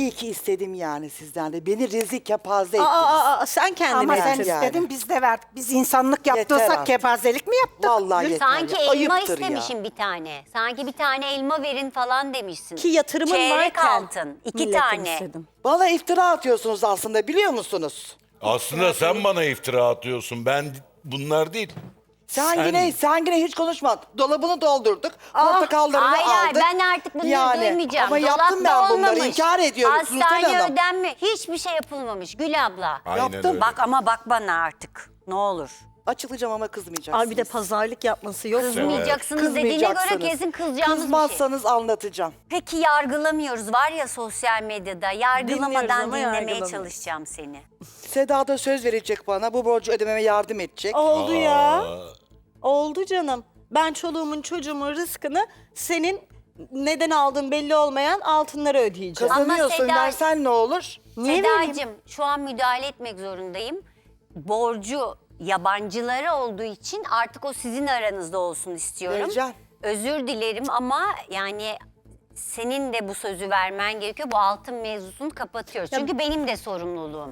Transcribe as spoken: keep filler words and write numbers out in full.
İyi ki istedim yani sizden de. Beni rezil kepaze Aa, ettiniz. aa, aa, sen kendine Ama sen Evet, yani. istedin biz de verdik. Biz insanlık Yeter yaptıysak artık. kepazelik mi yaptık? Vallahi yeter Sanki ya. elma Ayıptır ya. istemişim bir tane. Sanki bir tane elma verin falan demişsin. Ki yatırımın Çeyrek varken altın. iki milletten tane. istedim. Bana iftira atıyorsunuz aslında biliyor musunuz? Aslında sen bana iftira atıyorsun. Ben bunlar değil. Sen, Sen- yine sen yine hiç konuşma. Dolabını doldurduk. Portakallarını Hayır hayır aldık. ben artık bunları Yani, duymayacağım. Ama yaptım Dolapta ben bunları. olmamış. İnkar ediyorum Sultan Hastane Hanım. ödenme. Hiçbir şey yapılmamış Gül abla. Aynen Yaptım. öyle. Bak ama bak bana artık. Ne olur. Açılacağım ama kızmayacaksınız. Abi bir de pazarlık yapması yok. Kızmayacaksınız dediğine göre Kızmayacaksınız. kesin kızacağımız bir şey. Kızmazsanız anlatacağım. Peki yargılamıyoruz var ya sosyal medyada. Dinliyoruz Yargılamadan ama dinlemeye yargılamıyoruz. çalışacağım seni. Seda da söz verecek bana. Bu borcu ödememe yardım edecek. Oldu ya. Aa, Oldu canım. Ben çoluğumun çocuğumun rızkını senin neden aldığın belli olmayan altınlara ödeyeceğim. Ama Kazanıyorsun Seda- versen ne olur? Niye vereyim? Sedacığım şu an müdahale etmek zorundayım. Borcu yabancılara olduğu için artık o sizin aranızda olsun istiyorum. Vereceğim. Özür dilerim ama yani senin de bu sözü vermen gerekiyor. Bu altın mevzusunu kapatıyoruz. Çünkü benim de sorumluluğum.